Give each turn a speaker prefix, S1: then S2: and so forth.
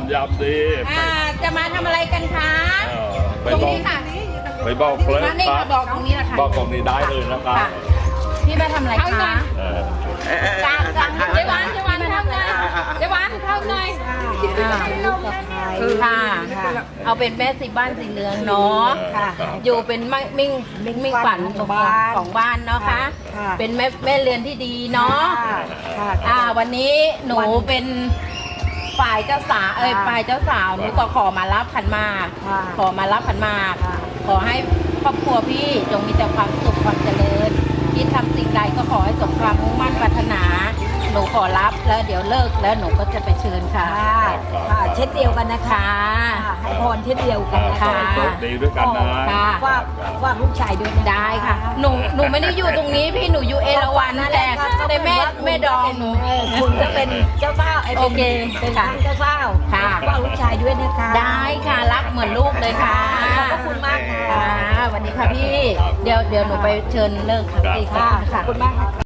S1: านยามดี
S2: จะมาทำอะไรกันคะ
S1: ไป
S2: ตรง
S1: บอก
S2: นี้ค่ะ
S1: ไปบอกเลย
S2: มานี่
S1: ครั
S2: มา
S1: บ
S2: บอกตรงนี้นะคะ
S1: บอกตรงนี้ได้เลยนะครับ
S2: ค่ะพี่มาทำอะไรคะ
S3: กลาง
S2: เจ๊วันเข้าหน่อยเจ๊วันเข้าหน่อยค่ะเอาเป็นแม่สีบ้านสีเหลืองเนาะอยู่เป็นมิ่งฝันของบ้านเนาะค่ะเป็นแม่เรือนที่ดีเนาะวันนี้หนูเป็นฝ่ายเจ้าสาวฝ่ายเจ้าสาวหนูก็ขอมารับขันหมากขอมารับขันหมากขอให้ครอบครัวพี่จงมีแต่ความสุขความเจริญคิดทำสิ่งใดก็ขอให้สมความมุ่งมั่นปรารถนาหนูขอรับแล้วเดี๋ยวเลิกแล้วหนูก็จะไปเชิญค่ะ
S3: เช่นเดียวกันนะคะให้พรเช่นเดียวกันนะคะ
S1: โชคดีด้วยกันนะ
S3: ว่าลูกชายด้วย
S2: ได้ค่ะหนูไม่ได้อยู่ตรงนี้พี่หนูอยู่เอราวัณแต่แม่ดองหนู
S3: คุณก็เป็นเจ้าเฝ้า
S2: โอเค
S3: เป็นท่านเจ้าเฝ้า
S2: ค่ะ
S3: ว่าลูกชายด้วยนะคะ
S2: ได้ค่ะรักเหมือนลูกเลยค่ะ
S3: ขอบคุณมากค่ะ
S2: ค่ะสวัสดีค่ะพี่เดี๋ยวหนูไปเชิญเลิกค่ะพี่
S3: ขอบคุณมากค่ะ